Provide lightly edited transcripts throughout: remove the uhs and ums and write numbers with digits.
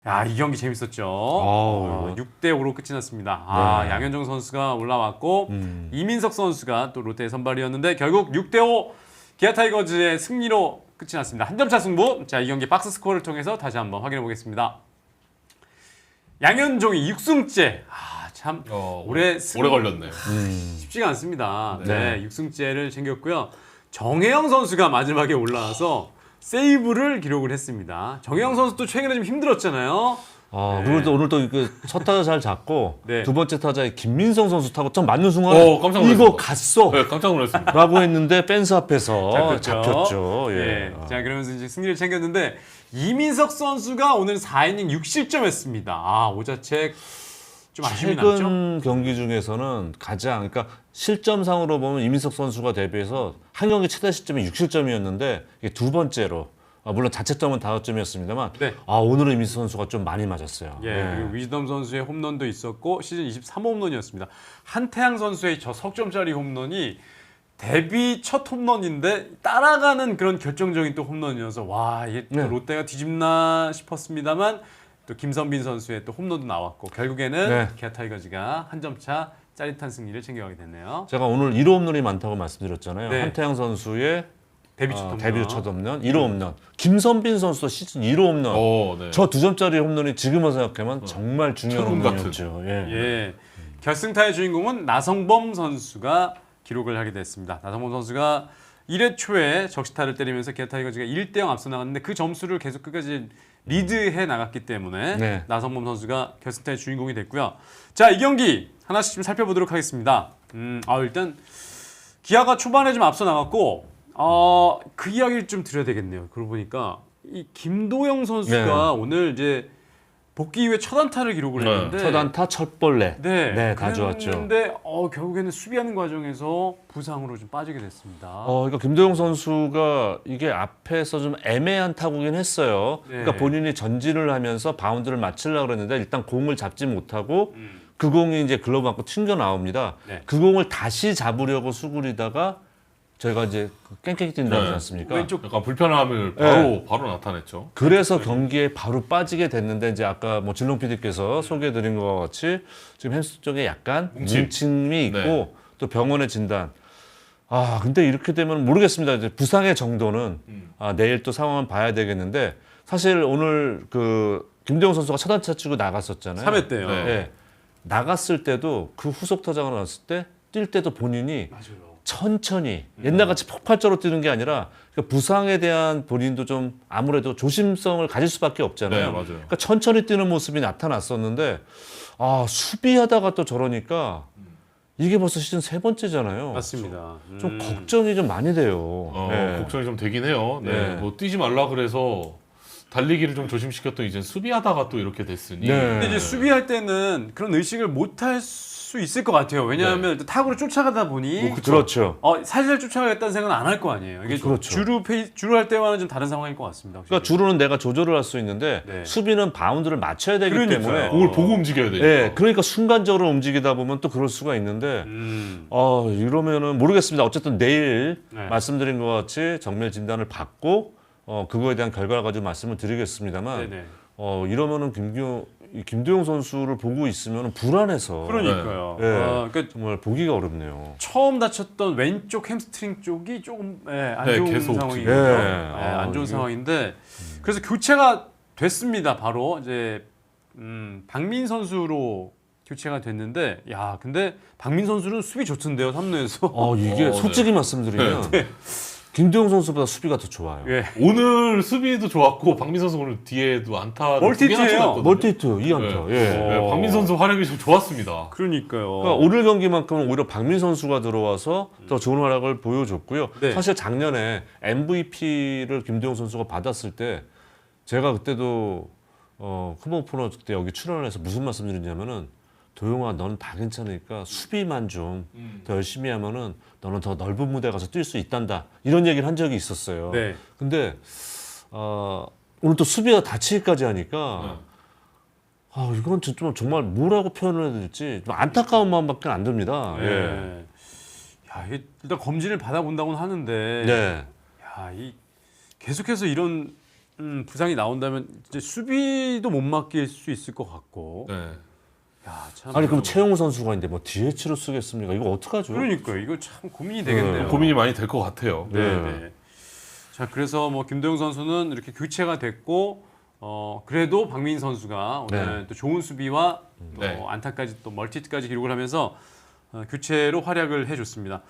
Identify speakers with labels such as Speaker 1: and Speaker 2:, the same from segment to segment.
Speaker 1: 야, 이 경기 재밌었죠. 6대5로 끝이 났습니다.
Speaker 2: 네.
Speaker 1: 양현종 선수가 올라왔고 이민석 선수가 또 롯데의 선발이었는데 결국 6대5 기아 타이거즈의 승리로 끝이 났습니다. 한 점차 승부. 자, 이 경기 박스 스코어를 통해서 다시 한번 확인해 보겠습니다. 양현종이 6승째. 참
Speaker 3: 오래 걸렸네요.
Speaker 1: 쉽지가 않습니다.
Speaker 2: 네.
Speaker 1: 네, 6승째를 챙겼고요. 정혜영 선수가 마지막에 올라와서 세이브를 기록을 했습니다. 정혜영 선수도 최근에 좀 힘들었잖아요. 네.
Speaker 2: 그리고 또 오늘 또 첫 타자 잘 잡고
Speaker 1: 네.
Speaker 2: 두 번째 타자에 김민성 선수 타고 좀 맞는 순간
Speaker 3: 깜짝 놀랐습니다.
Speaker 2: 이거 갔어
Speaker 3: 네, 깜짝 놀랐습니다.
Speaker 2: 라고 했는데 펜스 앞에서
Speaker 1: 잡혔죠.
Speaker 2: 잡혔죠. 예.
Speaker 1: 네. 자, 그러면서 이제 승리를 챙겼는데 이민석 선수가 오늘 4이닝 6실점했습니다. 오자책 좀 아쉬움이 남죠?
Speaker 2: 최근 경기 중에서는 가장 그러니까 실점상으로 보면 이민석 선수가 데뷔해서 한 경기 최다 실점이 6실점이었는데 이게 두 번째로 물론 자책점은 5점이었습니다만
Speaker 1: 네.
Speaker 2: 오늘은 이민석 선수가 좀 많이 맞았어요.
Speaker 1: 예, 그리고 위즈덤 선수의 홈런도 있었고 시즌 23홈런이었습니다. 한태양 선수의 저 석점짜리 홈런이 데뷔 첫 홈런인데 따라가는 그런 결정적인 또 홈런이어서 와, 이게 또
Speaker 2: 네.
Speaker 1: 롯데가 뒤집나 싶었습니다만 또 김선빈 선수의 또 홈런도 나왔고 결국에는
Speaker 2: 네.
Speaker 1: 기아 타이거즈가 한 점 차 짜릿한 승리를 챙겨가게 됐네요.
Speaker 2: 제가 오늘 1호 홈런이 많다고 말씀드렸잖아요.
Speaker 1: 네.
Speaker 2: 한태양 선수의
Speaker 1: 데뷔 첫 홈런.
Speaker 2: 데뷔 첫 홈런, 1호 홈런. 김선빈 선수도 시즌 1호 홈런.
Speaker 3: 네.
Speaker 2: 저 2점짜리 홈런이 지금만 생각하면 정말 중요한
Speaker 3: 천금 같은.
Speaker 2: 홈런이었죠. 예.
Speaker 1: 예. 결승타의 주인공은 나성범 선수가 기록을 하게 됐습니다. 나성범 선수가 1회 초에 적시타를 때리면서 기아 타이거즈가 1대0 앞서 나갔는데 그 점수를 계속 끝까지 리드해 나갔기 때문에
Speaker 2: 네.
Speaker 1: 나성범 선수가 결승타의 주인공이 됐고요. 자, 이 경기 하나씩 좀 살펴보도록 하겠습니다. 일단 기아가 초반에 좀 앞서 나갔고 그 이야기를 좀 드려야 되겠네요. 그러고 보니까 이 김도영 선수가
Speaker 2: 네.
Speaker 1: 오늘 이제 복귀 이후에 첫 안타를 기록을
Speaker 3: 네.
Speaker 1: 했는데
Speaker 2: 첫 안타, 첫 볼넷.
Speaker 1: 네,
Speaker 2: 다 좋았죠.
Speaker 1: 그런데 결국에는 수비하는 과정에서 부상으로 좀 빠지게 됐습니다.
Speaker 2: 그러니까 김도영 선수가 이게 앞에서 좀 애매한 타구긴 했어요.
Speaker 1: 네.
Speaker 2: 그러니까 본인이 전진을 하면서 바운드를 맞추려고 그랬는데 일단 공을 잡지 못하고 그 공이 이제 글러브 맞고 튕겨 나옵니다.
Speaker 1: 네.
Speaker 2: 그 공을 다시 잡으려고 수그리다가 저희가 이제 깽깽이 뛴다고 하지 않습니까?
Speaker 1: 왼쪽
Speaker 3: 약간 불편함을 바로 나타냈죠.
Speaker 2: 그래서 경기에 바로 빠지게 됐는데 이제 아까 뭐 진롱 PD께서 소개해드린 것과 같이 지금 햄스트링 쪽에 약간 뭉침이 있고
Speaker 3: 네.
Speaker 2: 또 병원의 진단. 근데 이렇게 되면 모르겠습니다. 이제 부상의 정도는 내일 또 상황을 봐야 되겠는데 사실 오늘 그 김도영 선수가 첫 안타 치고 나갔었잖아요.
Speaker 1: 3회 때요.
Speaker 3: 네.
Speaker 2: 예. 나갔을 때도 그 후속 타자가 나왔을 때 뛸 때도 본인이
Speaker 1: 맞아요.
Speaker 2: 천천히 옛날같이 폭발적으로 뛰는 게 아니라 그러니까 부상에 대한 본인도 좀 아무래도 조심성을 가질 수밖에 없잖아요.
Speaker 3: 네, 맞아요.
Speaker 2: 그러니까 천천히 뛰는 모습이 나타났었는데 수비하다가 또 저러니까 이게 벌써 시즌 3번째잖아요.
Speaker 1: 맞습니다.
Speaker 2: 좀 걱정이 좀 많이 돼요. 네.
Speaker 3: 걱정이 좀 되긴 해요.
Speaker 2: 네.
Speaker 3: 뭐 뛰지 말라 그래서 달리기를 좀 조심시켰더니 이제 수비하다가 또 이렇게 됐으니.
Speaker 2: 네.
Speaker 1: 근데 이제 수비할 때는 그런 의식을 못 할 수 있을 것 같아요. 왜냐하면 타구를 쫓아가다 보니
Speaker 2: 그렇죠.
Speaker 1: 살살 쫓아가겠다는 생각은 안 할 거 아니에요. 이게
Speaker 2: 그렇죠.
Speaker 1: 주루 할 때와는 좀 다른 상황일 것 같습니다. 확실히.
Speaker 2: 그러니까 주로는 내가 조절을 할 수 있는데
Speaker 1: 네.
Speaker 2: 수비는 바운드를 맞춰야 되기
Speaker 1: 그러니까요.
Speaker 2: 때문에
Speaker 3: 공을 보고 움직여야 되니까.
Speaker 2: 네, 그러니까 순간적으로 움직이다 보면 또 그럴 수가 있는데 이러면은 모르겠습니다. 어쨌든 내일
Speaker 1: 네.
Speaker 2: 말씀드린 것 같이 정밀 진단을 받고 그거에 대한 결과를 가지고 말씀을 드리겠습니다만
Speaker 1: 네네.
Speaker 2: 이러면은 김도영 선수를 보고 있으면 불안해서
Speaker 1: 그러니까요.
Speaker 2: 네.
Speaker 1: 그러니까
Speaker 2: 정말 보기가 어렵네요.
Speaker 1: 처음 다쳤던 왼쪽 햄스트링 쪽이 조금 안
Speaker 3: 네,
Speaker 1: 좋은
Speaker 3: 계속
Speaker 1: 상황이거든요.
Speaker 2: 지금.
Speaker 1: 안 좋은
Speaker 2: 이게-
Speaker 1: 상황인데 그래서 교체가 됐습니다. 바로 이제 박민 선수로 교체가 됐는데 근데 박민 선수는 수비 좋던데요. 3루에서.
Speaker 2: 이게 솔직히 말씀드리면 김도영 선수보다 수비가 더 좋아요.
Speaker 1: 예.
Speaker 3: 오늘 수비도 좋았고 박민 선수 오늘 뒤에도 안타
Speaker 1: 멀티히트예요.
Speaker 2: 멀티히트 2안타.
Speaker 3: 네.
Speaker 2: 예.
Speaker 3: 네, 박민 선수 활약이 좀 좋았습니다.
Speaker 1: 그러니까요.
Speaker 2: 그러니까 오늘 경기만큼은 오히려 박민 선수가 들어와서 더 좋은 활약을 보여줬고요.
Speaker 1: 네.
Speaker 2: 사실 작년에 MVP를 김도영 선수가 받았을 때 제가 그때도 컴온 프로 때 여기 출연해서 무슨 말씀드렸냐면은 도영아 너는 다 괜찮으니까 수비만 좀 더 열심히 하면은 너는 더 넓은 무대 가서 뛸 수 있단다 이런 얘기를 한 적이 있었어요.
Speaker 1: 네.
Speaker 2: 근데 오늘 또 수비가 다치기까지 하니까 이건 좀 정말 뭐라고 표현을 해야 될지 좀 안타까운 마음밖에 안 듭니다. 예.
Speaker 1: 네. 이게 일단 검진을 받아본다고는 하는데
Speaker 2: 네.
Speaker 1: 계속해서 이런 부상이 나온다면 이제 수비도 못 맡길 수 있을 것 같고.
Speaker 3: 네.
Speaker 1: 야, 참.
Speaker 2: 아니 그럼 최용우 선수가 있는데 뭐 DH로 쓰겠습니까? 이거 어떡하죠?
Speaker 1: 그러니까 이거 참 고민이 되겠네요.
Speaker 3: 고민이 많이 될 것 같아요.
Speaker 1: 네. 네. 자, 그래서 뭐 김도영 선수는 이렇게 교체가 됐고 그래도 박민 선수가 오늘 또 좋은 수비와 또
Speaker 3: 네.
Speaker 1: 안타까지 또 멀티까지 기록을 하면서 교체로 활약을 해줬습니다.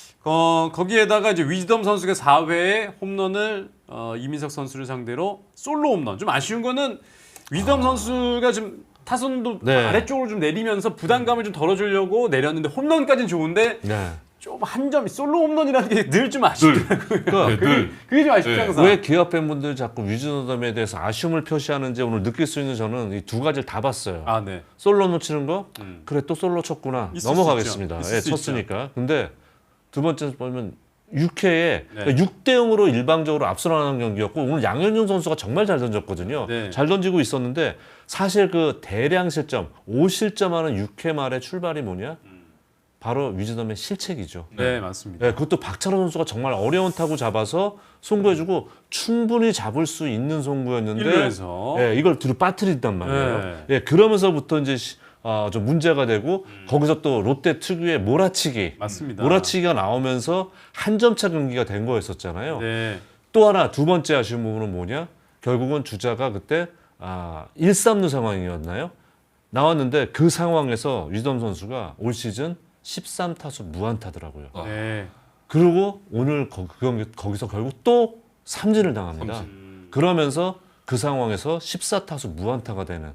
Speaker 1: 거기에다가 이제 위즈덤 선수가 4회에 홈런을 이민석 선수를 상대로 솔로 홈런. 좀 아쉬운 거는 위즈덤 선수가 좀 타선도
Speaker 2: 네.
Speaker 1: 아래쪽으로 좀 내리면서 부담감을 좀 덜어주려고 내렸는데 홈런까지는 좋은데
Speaker 2: 네.
Speaker 1: 좀 한 점이 솔로 홈런이라는 게 늘 좀 아쉽더라고요.
Speaker 2: 그러니까
Speaker 3: 네, 늘.
Speaker 1: 그게 좀 아쉽죠
Speaker 3: 네.
Speaker 1: 항상.
Speaker 2: 왜 기아 팬분들 자꾸 위즈덤에 대해서 아쉬움을 표시하는지 오늘 느낄 수 있는 저는 이 두 가지를 다 봤어요.
Speaker 1: 아, 네.
Speaker 2: 솔로 놓치는 거? 그래 또 솔로 쳤구나.
Speaker 1: 있을
Speaker 2: 넘어가겠습니다.
Speaker 1: 수 있죠.
Speaker 2: 예,
Speaker 1: 있을 수
Speaker 2: 쳤으니까. 근데 두 번째 보면 6회에
Speaker 1: 네.
Speaker 2: 6대 0으로 일방적으로 앞서나가는 경기였고 오늘 양현종 선수가 정말 잘 던졌거든요.
Speaker 1: 네.
Speaker 2: 잘 던지고 있었는데 사실 그 대량 실점, 5실점하는 6회 말의 출발이 뭐냐? 바로 위즈덤의 실책이죠.
Speaker 1: 네, 맞습니다.
Speaker 2: 예, 그것도 박찬호 선수가 정말 어려운 타구 잡아서 송구해주고 충분히 잡을 수 있는 송구였는데
Speaker 1: 1루에서
Speaker 2: 예, 이걸 뒤로 빠뜨린단 말이에요.
Speaker 1: 네.
Speaker 2: 예, 그러면서부터 이제 좀 문제가 되고 거기서 또 롯데 특유의 몰아치기,
Speaker 1: 맞습니다.
Speaker 2: 몰아치기가 나오면서 한 점차 경기가 된 거였었잖아요.
Speaker 1: 네.
Speaker 2: 또 하나 두 번째 아쉬운 부분은 뭐냐? 결국은 주자가 그때 1-3루 상황이었나요? 나왔는데 그 상황에서 위즈덤 선수가 올 시즌 13타수 무안타더라고요.
Speaker 1: 네.
Speaker 2: 그리고 오늘 거기서 결국 또 삼진을 당합니다. 그러면서 그 상황에서 14타수 무안타가 되는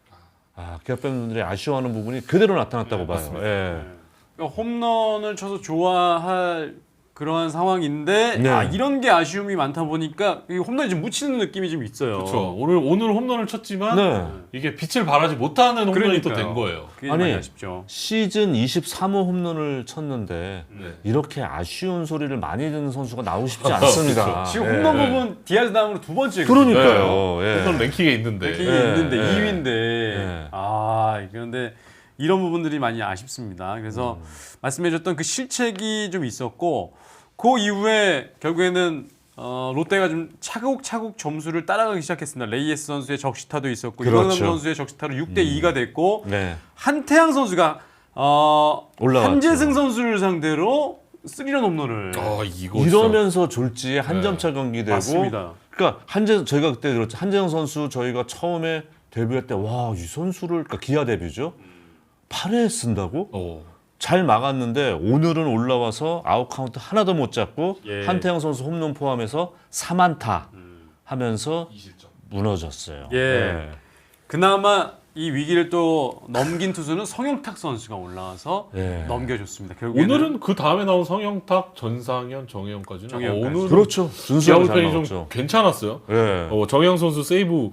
Speaker 2: 기아 팬분들이 아쉬워하는 부분이 그대로 나타났다고 봐요. 예.
Speaker 1: 그러니까 홈런을 쳐서 좋아할 그러한 상황인데
Speaker 2: 네.
Speaker 1: 이런 게 아쉬움이 많다 보니까 이 홈런이 좀 묻히는 느낌이 좀 있어요.
Speaker 3: 그렇죠. 오늘 홈런을 쳤지만
Speaker 2: 네.
Speaker 3: 이게 빛을 발하지 못하는 홈런이 또
Speaker 1: 그러니까요.
Speaker 3: 된 거예요.
Speaker 1: 그게
Speaker 2: 아니,
Speaker 1: 많이 아쉽죠.
Speaker 2: 시즌 23호 홈런을 쳤는데
Speaker 3: 네.
Speaker 2: 이렇게 아쉬운 소리를 많이 듣는 선수가 나오고 싶지 않습니다.
Speaker 3: 그렇죠.
Speaker 1: 지금
Speaker 2: 예.
Speaker 1: 홈런 부분 디아즈 다음으로 두 번째.
Speaker 2: 그러니까요. 예.
Speaker 3: 홈런 랭킹에 있는데.
Speaker 1: 랭킹이
Speaker 2: 네.
Speaker 1: 있는데
Speaker 3: 네.
Speaker 1: 2위인데 그런데 이런 부분들이 많이 아쉽습니다. 그래서 말씀해줬던 그 실책이 좀 있었고 그 이후에 결국에는 롯데가 좀 차곡차곡 점수를 따라가기 시작했습니다. 레이에스 선수의 적시타도 있었고
Speaker 2: 그렇죠.
Speaker 1: 이광남 선수의 적시타로 6대2가 됐고
Speaker 2: 네.
Speaker 1: 한태양 선수가
Speaker 2: 올라왔죠.
Speaker 1: 한재승 선수를 상대로 3런 홈런을
Speaker 3: 이거
Speaker 2: 이러면서 졸지에 한
Speaker 3: 네.
Speaker 2: 점차 경기 되고
Speaker 1: 맞습니다.
Speaker 2: 그러니까 저희가 그때 그렇죠. 한재영 선수 저희가 처음에 데뷔할 때 와 이 선수를 그러니까 기아 데뷔죠. 8회 쓴다고? 잘 막았는데 오늘은 올라와서 아웃 카운트 하나도 못 잡고
Speaker 1: 예.
Speaker 2: 한태영 선수 홈런 포함해서 3안타 하면서 무너졌어요.
Speaker 1: 예.
Speaker 2: 네.
Speaker 1: 그나마 이 위기를 또 넘긴 투수는 성영탁 선수가 올라와서
Speaker 2: 예.
Speaker 1: 넘겨줬습니다. 결국에는
Speaker 3: 오늘은 그 다음에 나온 성영탁, 전상현, 정혜영까지는
Speaker 1: 정혜영까지.
Speaker 3: 오늘은
Speaker 2: 그렇죠.
Speaker 3: 기아
Speaker 2: 준수하게 잘
Speaker 3: 불펜이 좀
Speaker 2: 나왔죠.
Speaker 3: 괜찮았어요.
Speaker 2: 예.
Speaker 3: 정혜영 선수 세이브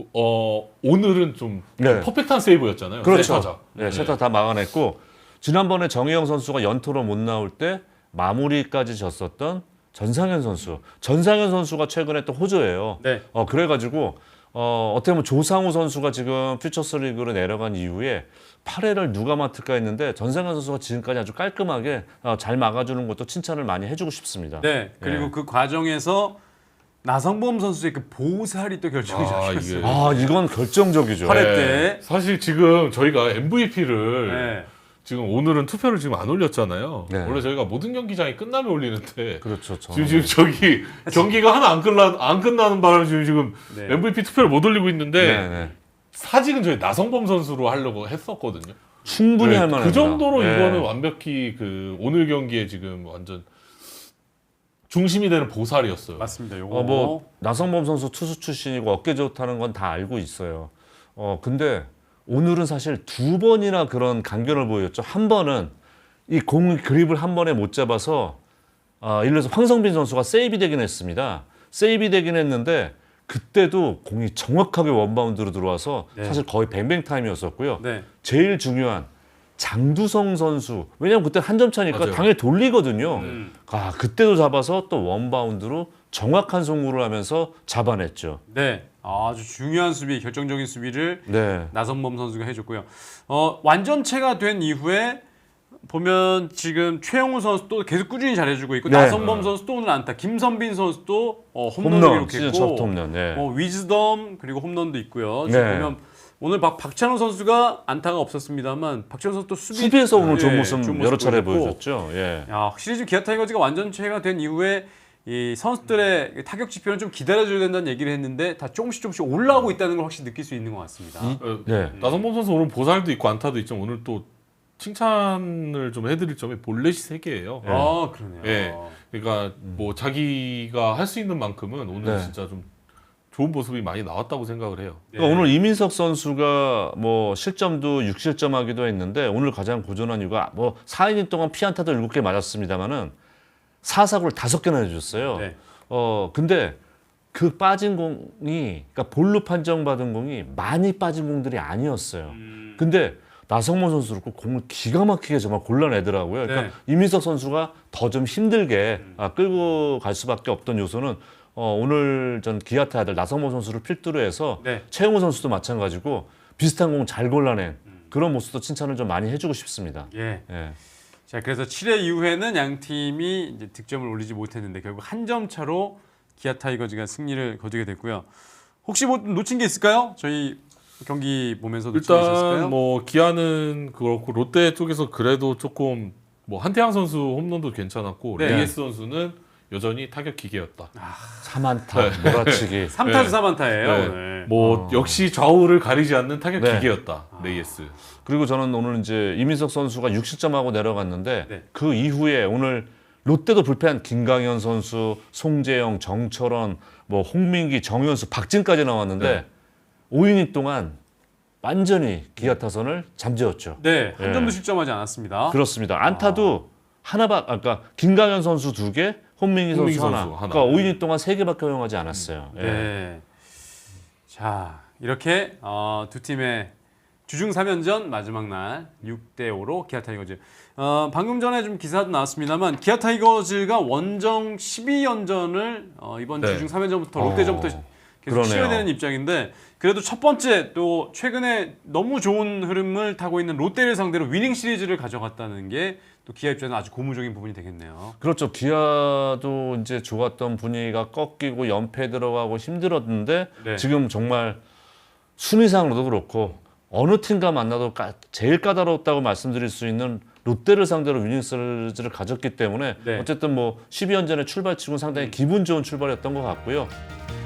Speaker 3: 오늘은 좀
Speaker 2: 네.
Speaker 3: 퍼펙트한 세이브였잖아요.
Speaker 2: 그렇죠.
Speaker 3: 세 타자.
Speaker 2: 네, 세타 다 막아냈고 지난번에 정혜영 선수가 연토로 못 나올 때 마무리까지 졌었던 전상현 선수. 전상현 선수가 최근에 또 호조예요.
Speaker 1: 네.
Speaker 2: 그래가지고 어떻게 보면 조상우 선수가 지금 퓨처스리그로 내려간 이후에 8회를 누가 맡을까 했는데 전상현 선수가 지금까지 아주 깔끔하게 잘 막아주는 것도 칭찬을 많이 해주고 싶습니다.
Speaker 1: 네. 그리고
Speaker 2: 예.
Speaker 1: 그 과정에서 나성범 선수의 그 보살이 또 결정이
Speaker 3: 이게-
Speaker 1: 작용했어요.
Speaker 2: 이건 결정적이죠.
Speaker 1: 팔- 팔회 때.
Speaker 3: 사실 지금 저희가 MVP를
Speaker 1: 네.
Speaker 3: 지금 오늘은 투표를 지금 안 올렸잖아요.
Speaker 2: 네.
Speaker 3: 원래 저희가 모든 경기장이 끝나면 올리는데
Speaker 2: 그렇죠.
Speaker 3: 지금 저기 경기가 하나 안 끝나는 바람에 지금
Speaker 1: 네.
Speaker 3: MVP 투표를 못 올리고 있는데
Speaker 2: 네, 네.
Speaker 3: 사직은 저희 나성범 선수로 하려고 했었거든요.
Speaker 2: 충분히
Speaker 3: 네,
Speaker 2: 할 만합니다.
Speaker 3: 그 정도로
Speaker 2: 네.
Speaker 3: 이거는 완벽히 그 오늘 경기에 지금 완전 중심이 되는 보살이었어요.
Speaker 1: 맞습니다. 요거
Speaker 2: 뭐 나성범 선수 투수 출신이고 어깨 좋다는 건 다 알고 있어요. 근데 오늘은 사실 두 번이나 그런 강변을 보였죠. 한 번은 이 공 그립을 한 번에 못 잡아서 예를 들어서 황성빈 선수가 세이브 되긴 했습니다. 세이브 되긴 했는데 그때도 공이 정확하게 원바운드로 들어와서
Speaker 1: 네.
Speaker 2: 사실 거의 뱅뱅 타임이었었고요.
Speaker 1: 네.
Speaker 2: 제일 중요한 장두성 선수. 왜냐면 그때 한 점 차니까
Speaker 3: 맞아요.
Speaker 2: 당연히 돌리거든요.
Speaker 1: 음.
Speaker 2: 그때도 잡아서 또 원바운드로 정확한 송구를 하면서 잡아냈죠.
Speaker 1: 네. 아주 중요한 수비, 결정적인 수비를
Speaker 2: 네.
Speaker 1: 나성범 선수가 해줬고요. 완전체가 된 이후에 보면 지금 최영우 선수도 계속 꾸준히 잘해주고 있고
Speaker 2: 네.
Speaker 1: 나성범 선수도 오늘 안타, 김선빈 선수도 홈런을
Speaker 2: 홈런 시즌 첫
Speaker 1: 기록했고
Speaker 2: 홈런. 예.
Speaker 1: 위즈덤 그리고 홈런도 있고요. 지금
Speaker 2: 네.
Speaker 1: 보면 오늘 박찬호 선수가 안타가 없었습니다만 박찬호 선수도
Speaker 2: 수비에서 오늘 좋은
Speaker 1: 예,
Speaker 2: 모습
Speaker 1: 좋은
Speaker 2: 여러 차례
Speaker 1: 보여줬고.
Speaker 2: 보여줬죠. 예.
Speaker 1: 야, 확실히 지금 기아 타이거즈가 완전체가 된 이후에 이 선수들의 타격 지표는 좀 기다려줘야 된다는 얘기를 했는데 다 조금씩 올라오고 있다는 걸 확실히 느낄 수 있는 것 같습니다.
Speaker 2: 네.
Speaker 3: 나성범 선수 오늘 보살도 있고 안타도 있지만 오늘 또 칭찬을 좀 해드릴 점이 볼넷이 3개예요.
Speaker 1: 아, 그러네요.
Speaker 3: 예. 그러니까 뭐 자기가 할 수 있는 만큼은 오늘
Speaker 2: 네.
Speaker 3: 진짜 좀 좋은 모습이 많이 나왔다고 생각을 해요.
Speaker 2: 그러니까 오늘 이민석 선수가 뭐 실점도 6실점하기도 했는데 오늘 가장 고전한 이유가 뭐 4이닝 동안 피안타도 7개 맞았습니다만은 4사구를 5개나 해줬어요.
Speaker 1: 네.
Speaker 2: 근데 그 빠진 공이 그러니까 볼로 판정받은 공이 많이 빠진 공들이 아니었어요. 근데 나성범 선수를 공을 기가 막히게 정말 골라내더라고요. 그러니까
Speaker 1: 네.
Speaker 2: 이민석 선수가 더 좀 힘들게 끌고 갈 수밖에 없던 요소는 오늘 전 기아 타이들 나성범 선수를 필두로 해서
Speaker 1: 네.
Speaker 2: 최영우 선수도 마찬가지고 비슷한 공 잘 골라낸 그런 모습도 칭찬을 좀 많이 해주고 싶습니다.
Speaker 1: 예.
Speaker 2: 예.
Speaker 1: 자, 그래서 7회 이후에는 양 팀이 이제 득점을 올리지 못했는데 결국 한 점 차로 기아 타이거즈가 승리를 거두게 됐고요. 혹시 뭐 놓친 게 있을까요? 저희 경기 보면서 놓친 게 있었을까요?
Speaker 3: 일단 뭐 기아는 그렇고 롯데 쪽에서 그래도 조금 뭐 한태양 선수 홈런도 괜찮았고
Speaker 1: 네.
Speaker 3: 레이스 선수는 여전히 타격 기계였다.
Speaker 2: 3안타 몰아치기.
Speaker 1: 3타수
Speaker 3: 네.
Speaker 1: 4안타예요
Speaker 3: 네.
Speaker 1: 오늘.
Speaker 3: 뭐 역시 좌우를 가리지 않는 타격
Speaker 2: 네.
Speaker 3: 기계였다. 레이스.
Speaker 2: 그리고 저는 오늘 이제 이민석 선수가 6실점하고 내려갔는데
Speaker 1: 네.
Speaker 2: 그 이후에 오늘 롯데도 불펜 김강현 선수, 송재영, 정철원, 뭐 홍민기, 정현수, 박진까지 나왔는데
Speaker 3: 네.
Speaker 2: 5이닝 동안 완전히 기아 타선을 잠재웠죠.
Speaker 1: 네, 한
Speaker 2: 예.
Speaker 1: 점도 실점하지 않았습니다.
Speaker 2: 그렇습니다. 안타도 하나밖 아까 김강현 선수 2개, 홍민기
Speaker 3: 홍민기
Speaker 2: 선수
Speaker 3: 선수
Speaker 2: 하나.
Speaker 3: 하나.
Speaker 2: 그러니까 5이닝 동안 3개밖에 허용하지 않았어요. 예.
Speaker 1: 네. 자, 이렇게 두 팀의 주중 3연전 마지막 날 6대 5로 기아 타이거즈. 방금 전에 좀 기사도 나왔습니다만 기아 타이거즈가 원정 12연전을 이번
Speaker 3: 네.
Speaker 1: 주중 3연전부터 롯데전부터 계속
Speaker 2: 그러네요.
Speaker 1: 치러야 되는 입장인데 그래도 첫 번째 또 최근에 너무 좋은 흐름을 타고 있는 롯데를 상대로 위닝 시리즈를 가져갔다는 게 또 기아 입장에서 아주 고무적인 부분이 되겠네요.
Speaker 2: 그렇죠. 기아도 이제 좋았던 분위기가 꺾이고 연패 들어가고 힘들었는데
Speaker 1: 네.
Speaker 2: 지금 정말 순위상으로도 그렇고 어느 팀과 만나도 제일 까다로웠다고 말씀드릴 수 있는 롯데를 상대로 위닝 시리즈를 가졌기 때문에
Speaker 1: 네.
Speaker 2: 어쨌든 뭐 12연전의 출발치고는 상당히 기분 좋은 출발이었던 것 같고요.